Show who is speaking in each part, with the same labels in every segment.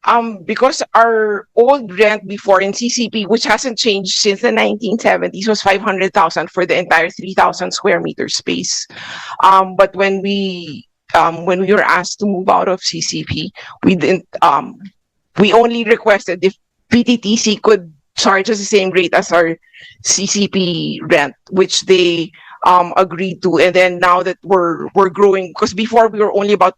Speaker 1: Because our old rent before in CCP, which hasn't changed since the 1970s, was 500,000 for the entire 3,000 square meter space. But when we were asked to move out of CCP, we didn't. We only requested if PTTC could charge us the same rate as our CCP rent, which they agreed to. And then now that we're growing, because before we were only about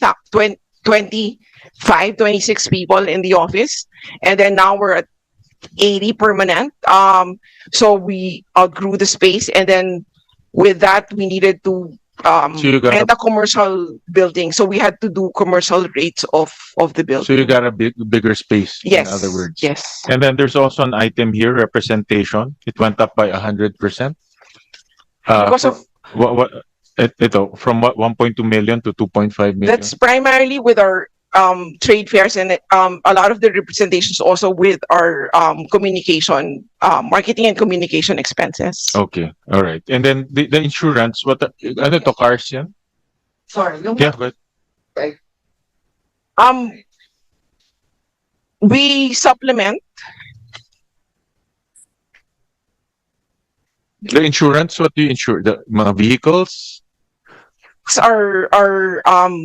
Speaker 1: 25, 26 people in the office, and then now we're at 80 permanent. So we outgrew the space, and then with that we needed to
Speaker 2: So you got
Speaker 1: rent a commercial building. So we had to do commercial rates of the
Speaker 2: so you
Speaker 1: building.
Speaker 2: got a bigger space,
Speaker 1: Yes.
Speaker 2: in other words.
Speaker 1: Yes.
Speaker 2: And then there's also an item here, representation. It went up by 100%.
Speaker 1: Because of
Speaker 2: What ito, from what 1.2 million to 2.5 million.
Speaker 1: that's primarily with our trade fairs, and a lot of the representations also with our communication, marketing and communication expenses.
Speaker 2: Okay, all right. And then the insurance, ano to, cars yan?
Speaker 1: Sorry.
Speaker 2: Yeah, but
Speaker 1: Um, we supplement
Speaker 2: the insurance, what do you insure? The mga vehicles?
Speaker 1: our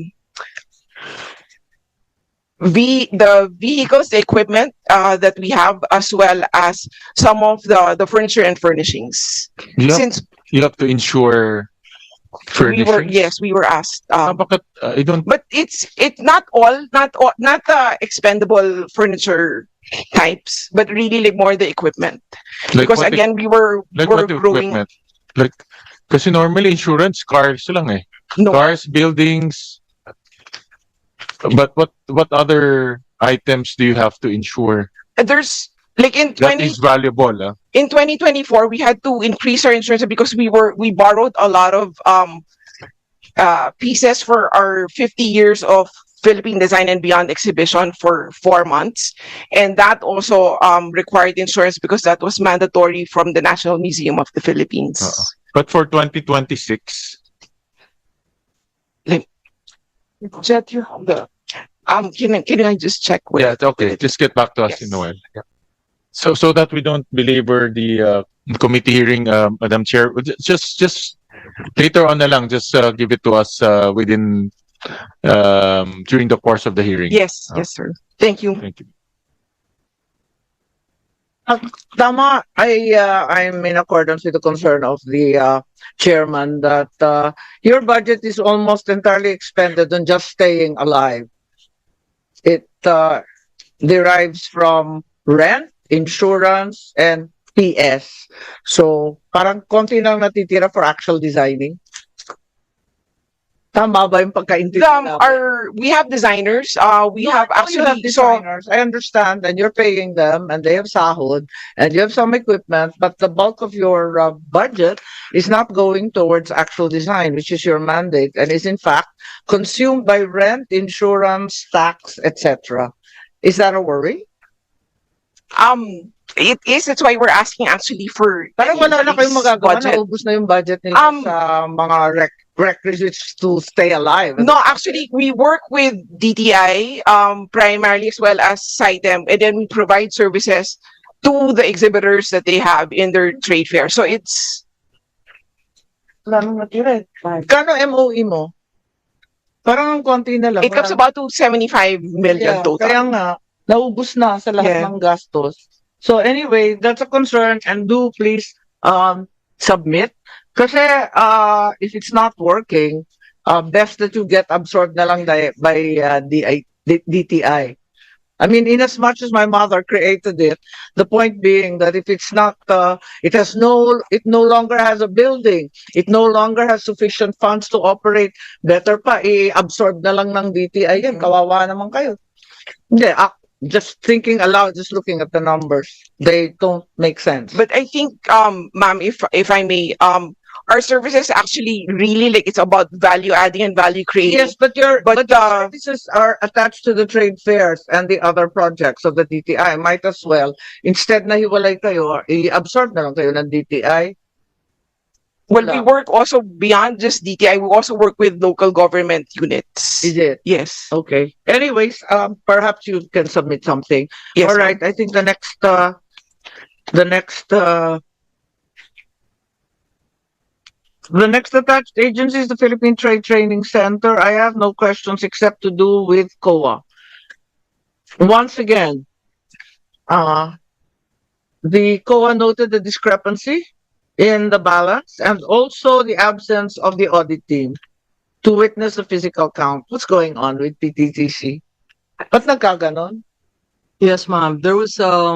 Speaker 1: the vehicles, the equipment that we have, as well as some of the furniture and furnishings.
Speaker 2: You have,
Speaker 1: Since
Speaker 2: you have to insure furnishings?
Speaker 1: we were asked.
Speaker 2: Bakit, I don't,
Speaker 1: But it's not the expendable furniture types, but really like more the equipment.
Speaker 2: like
Speaker 1: Because
Speaker 2: what,
Speaker 1: again, we were
Speaker 2: what
Speaker 1: growing.
Speaker 2: equipment? Like, kasi normally insurance, cars lang eh.
Speaker 1: No,
Speaker 2: Cars, buildings. But what other items do you have to insure
Speaker 1: there's like in
Speaker 2: that is valuable?
Speaker 1: in 2024 we had to increase our insurance because we borrowed a lot of pieces for our 50 years of Philippine Design and Beyond exhibition for 4 months, and that also required insurance because that was mandatory from the National Museum of the Philippines.
Speaker 2: But for 2026,
Speaker 1: Jet, you have the can I just check with
Speaker 2: yeah, okay. Just get back to us in a while. Yeah. So that we don't belabor the committee hearing, Madam Chair, just later on na lang, just give it to us within during the course of the hearing.
Speaker 1: Yes, yes, sir. Thank you.
Speaker 2: Thank you.
Speaker 3: Tama, I'm in accordance with the concern of the chairman that your budget is almost entirely expended on just staying alive. It derives from rent, insurance, and PS. So parang konti lang natitira for actual designing. Tama ba yung pagkaintindi namin?
Speaker 1: We have designers. We
Speaker 3: No,
Speaker 1: have
Speaker 3: I know you have
Speaker 1: actually so
Speaker 3: designers. I understand, and you're paying them, and they have sahod, and you have some equipment, but the bulk of your budget is not going towards actual design, which is your mandate, and is in fact consumed by rent, insurance, tax, etc. Is that a worry?
Speaker 1: it is. That's why we're asking actually for
Speaker 3: Parang wala na kayong
Speaker 1: increased
Speaker 3: magagawa,
Speaker 1: budget.
Speaker 3: naubos na yung budget nila sa mga requisites to stay alive.
Speaker 1: No, actually, we work with DTI primarily as well as CITEM, and then we provide services to the exhibitors that they have in their trade fair. So it's
Speaker 3: Kano MOE mo? Parang ang konti na lang.
Speaker 1: it comes about to 75 million total.
Speaker 3: Kaya nga, naubos na sa lahat
Speaker 1: Yeah.
Speaker 3: ng gastos. So anyway, that's a concern, and do please submit. Kasi if it's not working, best that you get absorbed na lang by DTI. I mean, in as much as my mother created it, the point being that if it's not, it no longer has a building, it no longer has sufficient funds to operate, better pa, i-absorb na lang ng DTI yan. Kawawa naman kayo. Hindi, just thinking aloud, just looking at the numbers, they don't make sense.
Speaker 1: But I think, ma'am, if I may, our services actually really like it's about value adding and value creating.
Speaker 3: Yes, but your
Speaker 1: But,
Speaker 3: services are attached to the trade fairs and the other projects of the DTI. Might as well, instead na hiwalay kayo, i-absorb na lang kayo ng DTI.
Speaker 1: Well, we work also beyond just DTI. We also work with local government units.
Speaker 3: Is it?
Speaker 1: Yes.
Speaker 3: Okay. Anyways, perhaps you can submit something.
Speaker 1: Yes.
Speaker 3: All right. I think the next attached agency is the Philippine Trade Training Center. I have no questions except to do with COA. Once again, the COA noted the discrepancy in the balance and also the absence of the audit team to witness the physical count. What's going on with PTTC? Ba't nagkaganon?
Speaker 4: Yes, ma'am. There was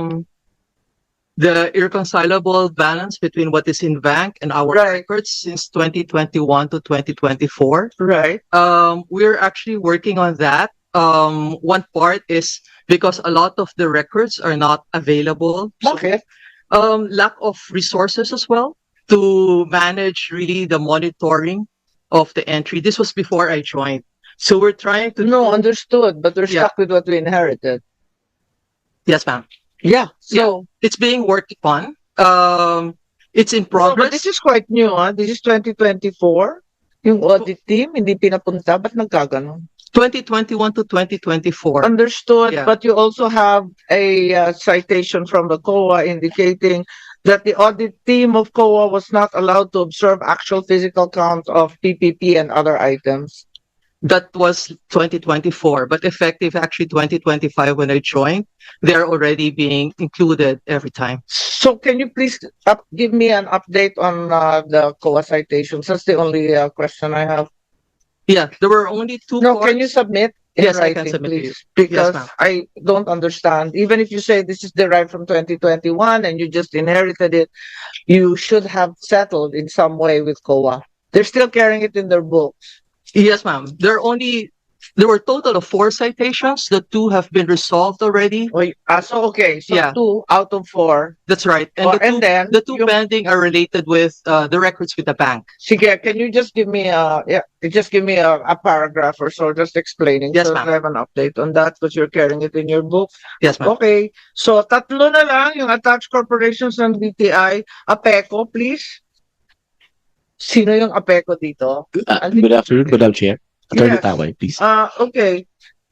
Speaker 4: the irreconcilable balance between what is in bank and our
Speaker 3: Right.
Speaker 4: records since 2021 to 2024.
Speaker 3: Right.
Speaker 4: We're actually working on that. One part is because a lot of the records are not available. So,
Speaker 3: Okay.
Speaker 4: lack of resources as well to manage really the monitoring of the entry. This was before I joined. So we're trying to
Speaker 3: No, understood, but we're
Speaker 4: Yeah.
Speaker 3: stuck with what we inherited.
Speaker 4: Yes, ma'am.
Speaker 3: Yeah. So,
Speaker 4: It's being worked upon. It's in
Speaker 3: no, but
Speaker 4: progress.
Speaker 3: this is quite new, huh? This is 2024. Yung audit team, hindi pinapunta. Ba't nagkaganon?
Speaker 4: 2021 to 2024.
Speaker 3: Understood,
Speaker 4: Yeah.
Speaker 3: but you also have a citation from the COA indicating that the audit team of COA was not allowed to observe actual physical count of PPP and other items.
Speaker 4: That was 2024, but effective actually 2025 when I joined, they're already being included every time.
Speaker 3: So can you please give me an update on the COA citations? That's the only question I have.
Speaker 4: Yeah, there were only two
Speaker 3: No,
Speaker 4: parts.
Speaker 3: can you submit in
Speaker 4: Yes, I can
Speaker 3: writing,
Speaker 4: submit to you.
Speaker 3: please? Because
Speaker 4: ma'am.
Speaker 3: I don't understand. Even if you say this is derived from 2021 and you just inherited it, you should have settled in some way with COA. They're still carrying it in their books.
Speaker 4: Yes, ma'am. There were total of 4 citations. The 2 have been resolved already.
Speaker 3: So okay, so
Speaker 4: Yeah.
Speaker 3: 2 out of 4.
Speaker 4: That's right. And
Speaker 3: Oh,
Speaker 4: the
Speaker 3: and
Speaker 4: two,
Speaker 3: then
Speaker 4: the two
Speaker 3: yung-
Speaker 4: pending are related with the records with the bank.
Speaker 3: Sige, can you just give me a paragraph or so just explaining
Speaker 4: Yes,
Speaker 3: so
Speaker 4: ma'am.
Speaker 3: that I have an update on that because you're carrying it in your book.
Speaker 4: Yes, ma'am.
Speaker 3: Okay. So tatlo na lang yung attached corporations ng BTI. APECO, please. Sino yung APECO dito?
Speaker 5: Good afternoon, Madam Chair. Attorney
Speaker 3: Yes.
Speaker 5: Taway, please.
Speaker 3: Okay.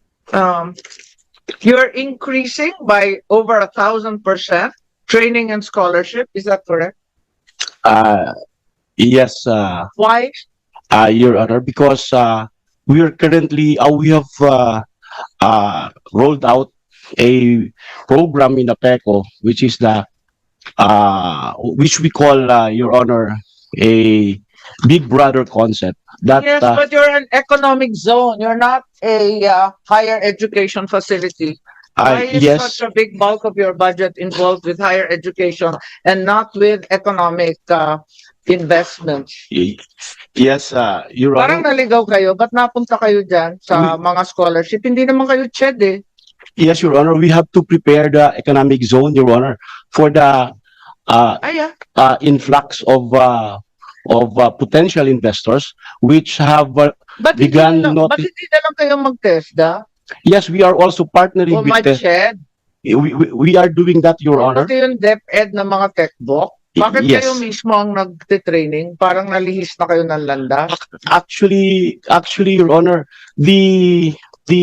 Speaker 3: You're increasing by over 1,000% training and scholarship. Is that correct?
Speaker 5: Yes,
Speaker 3: Why?
Speaker 5: Your Honor, because we are currently, we have rolled out a program in APECO, which is which we call, Your Honor, a Big Brother concept. That
Speaker 3: Yes, but you're an economic zone. You're not a higher education facility. Why is
Speaker 5: yes,
Speaker 3: such a big bulk of your budget involved with higher education and not with economic investments?
Speaker 5: yes, Your
Speaker 3: Parang
Speaker 5: Honor.
Speaker 3: naligaw kayo. Ba't napunta kayo dyan sa mga scholarship? Hindi naman kayo CHED eh.
Speaker 5: Yes, Your Honor. We have to prepare the economic zone, Your Honor, for the influx of potential investors which have
Speaker 3: Ba't hindi
Speaker 5: Began
Speaker 3: na,
Speaker 5: not-
Speaker 3: ba't hindi na lang kayo mag-TESDA
Speaker 5: yes, we are also partnering
Speaker 3: o
Speaker 5: with the,
Speaker 3: mag-CHED?
Speaker 5: we are doing that, Your Honor.
Speaker 3: Pati yung DepEd ng mga techbook. Bakit
Speaker 5: Yes.
Speaker 3: kayo mismo ang nagtitraining? Parang nalihis na kayo ng landas?
Speaker 5: Actually, Your Honor, the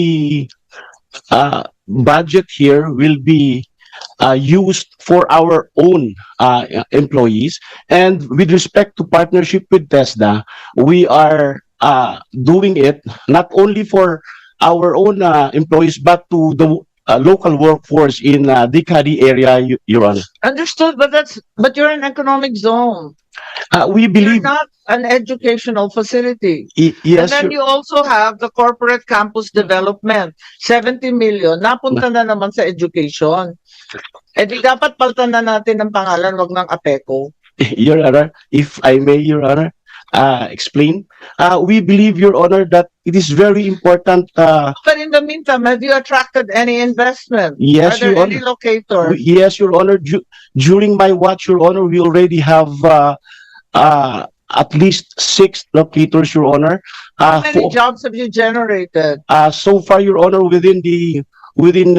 Speaker 5: budget here will be used for our own employees. And with respect to partnership with TESDA, we are doing it not only for our own employees, but to the local workforce in Dicari area, Your Honor.
Speaker 3: Understood, but you're an economic zone.
Speaker 5: We
Speaker 3: You're
Speaker 5: believe,
Speaker 3: not an educational facility. And
Speaker 5: yes,
Speaker 3: then you also have the corporate campus development. 70 million, napunta na naman sa education. Eh di dapat paltan na natin ng pangalan, wag ng APECO.
Speaker 5: Your Honor, if I may, Your Honor, explain. We believe, Your Honor, that it is very important.
Speaker 3: But in the meantime, have you attracted any investment?
Speaker 5: Yes,
Speaker 3: Are there
Speaker 5: Your
Speaker 3: any
Speaker 5: Honor.
Speaker 3: locators?
Speaker 5: Yes, Your Honor. During my watch, Your Honor, we already have at least 6 locators, Your Honor.
Speaker 3: How many jobs have you generated?
Speaker 5: So far, Your Honor, within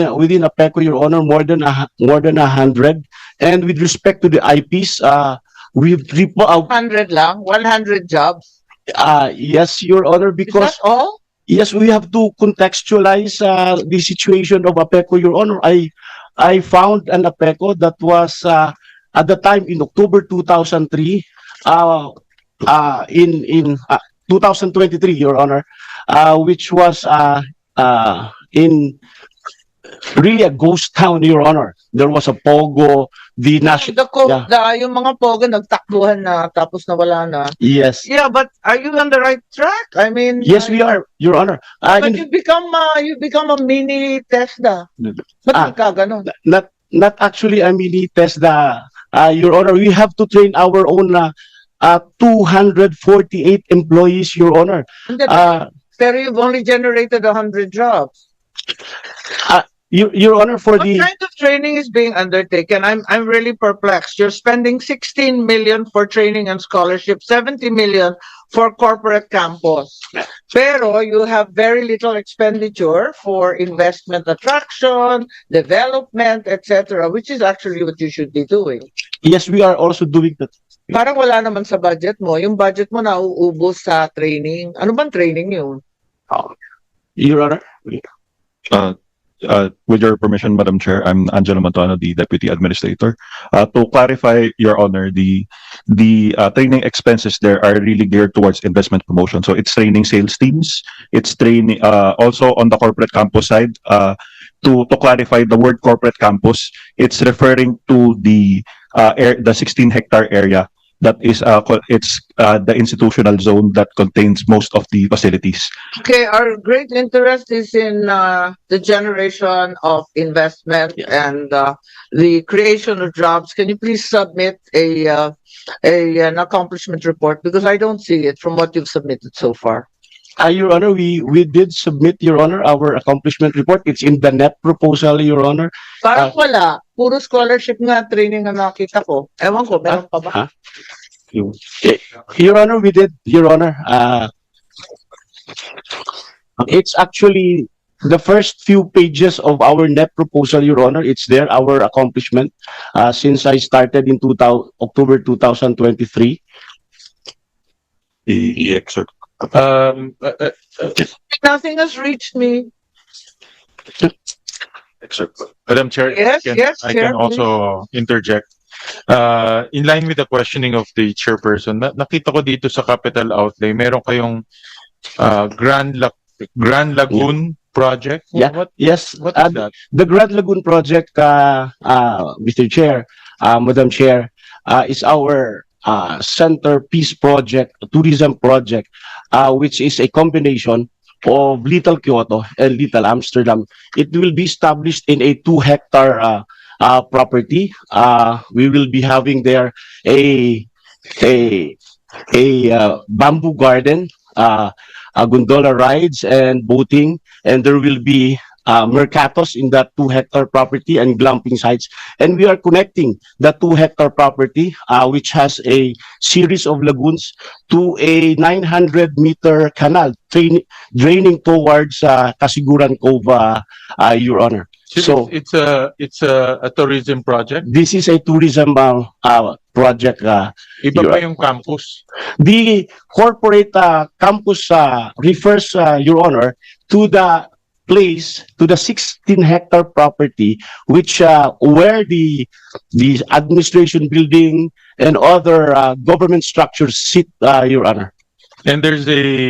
Speaker 5: APECO, Your Honor, more than 100. And with respect to the IPs, we've
Speaker 3: 100 lang, 100 jobs.
Speaker 5: yes, Your Honor,
Speaker 3: Is
Speaker 5: because
Speaker 3: that all?
Speaker 5: yes, we have to contextualize the situation of APECO, Your Honor. I found an APECO that was at the time in October 2003, in 2023, Your Honor, which was in really a ghost town, Your Honor. There was a pogo, the national. Yeah.
Speaker 3: Yung mga pogo nagtakbuhan na tapos nawala na.
Speaker 5: Yes,
Speaker 3: Yeah, but are you on the right track? I mean,
Speaker 5: yes, we are, Your Honor.
Speaker 3: But you become a mini TESDA. Ba't
Speaker 5: Ah.
Speaker 3: ka ganon?
Speaker 5: Not actually a mini TESDA, Your Honor. We have to train our own 248 employees, Your Honor.
Speaker 3: Hindi, pero you've only generated 100 jobs.
Speaker 5: Your Honor, for
Speaker 3: What
Speaker 5: the
Speaker 3: kind of training is being undertaken? I'm really perplexed. You're spending 16 million for training and scholarship, 70 million for corporate campus. Pero you have very little expenditure for investment attraction, development, etc., which is actually what you should be doing.
Speaker 5: yes, we are also doing that.
Speaker 3: Parang wala naman sa budget mo. Yung budget mo nauubos sa training. Ano bang training yun?
Speaker 5: Your Honor.
Speaker 6: With your permission, Madam Chair, I'm Angelo Mantuano, the Deputy Administrator. To clarify, Your Honor, the training expenses there are really geared towards investment promotion. So it's training sales teams. It's training also on the corporate campus side. To clarify, the word corporate campus, it's referring to the 16-hectare area that is it's the institutional zone that contains most of the facilities.
Speaker 3: Okay, our great interest is in the generation of investment and the creation of jobs. Can you please submit an accomplishment report? Because I don't see it from what you've submitted so far.
Speaker 5: Your Honor, we did submit, Your Honor, our accomplishment report. It's in the net proposal, Your Honor.
Speaker 3: Parang wala. Puro scholarship nga training ang nakita ko. Ewan ko, meron pa ba?
Speaker 5: Your Honor, we did, Your Honor. It's actually the first few pages of our net proposal, Your Honor. It's there, our accomplishment, since I started in October 2023.
Speaker 6: The excerpt.
Speaker 3: Nothing has reached me.
Speaker 6: Excerpt.
Speaker 2: Madam Chair,
Speaker 3: Yes,
Speaker 2: I
Speaker 3: Chair,
Speaker 2: can also interject. In line with the questioning of the chairperson, nakita ko dito sa capital outlay, meron kayong Grand Lagoon project.
Speaker 5: Yeah.
Speaker 2: What
Speaker 5: Yes,
Speaker 2: is that?
Speaker 5: the Grand Lagoon project, Mr. Chair, Madam Chair, is our centerpiece project, tourism project, which is a combination of Little Kyoto and Little Amsterdam. It will be established in a 2-hectare property. We will be having there a bamboo garden, gondola rides and boating, and there will be mercatos in that 2-hectare property and glamping sites. And we are connecting the 2-hectare property, which has a series of lagoons, to a 900-meter canal draining towards Kasiguran Cove, Your Honor. So
Speaker 2: it's a tourism project.
Speaker 5: this is a tourism project.
Speaker 2: Iba pa yung campus.
Speaker 5: The corporate campus refers, Your Honor, to the place, to the 16-hectare property, which where the administration building and other government structures sit, Your Honor.
Speaker 2: And there's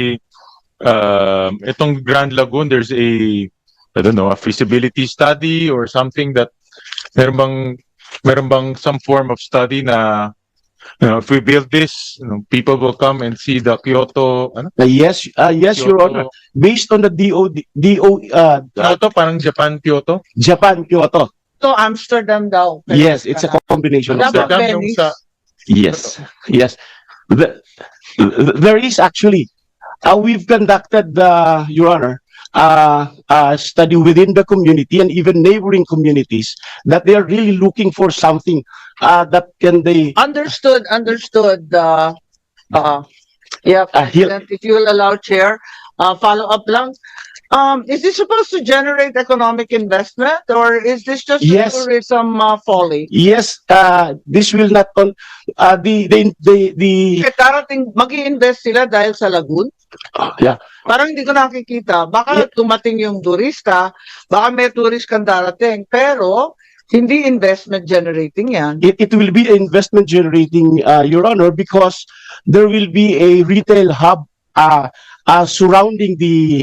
Speaker 2: itong Grand Lagoon, there's I don't know, a feasibility study or something that meron bang some form of study na, if we build this, people will come and see the Kyoto,
Speaker 5: Yes, Your Honor.
Speaker 2: Kyoto,
Speaker 5: Based on the
Speaker 2: Kyoto, parang Japan, Kyoto.
Speaker 5: Japan Kyoto.
Speaker 3: So Amsterdam daw.
Speaker 5: Yes, it's a combination of
Speaker 3: Dapat
Speaker 5: that.
Speaker 2: Amsterdam yung sa,
Speaker 5: Yes. There is actually, we've conducted, Your Honor, a study within the community and even neighboring communities that they are really looking for something that can they.
Speaker 3: Understood. Yeah,
Speaker 5: He'll-
Speaker 3: President, if you will allow, Chair, follow up lang. Is this supposed to generate economic investment, or is this just a
Speaker 5: Yes.
Speaker 3: tourism folly?
Speaker 5: Yes, this will not the
Speaker 3: Kasi darating, mag-i-invest sila dahil sa lagoon?
Speaker 5: yeah.
Speaker 3: Parang hindi ko nakikita. Baka tumating yung turista, baka may tourist kang darating, pero hindi investment generating yan.
Speaker 5: It will be investment generating, Your Honor, because there will be a retail hub surrounding the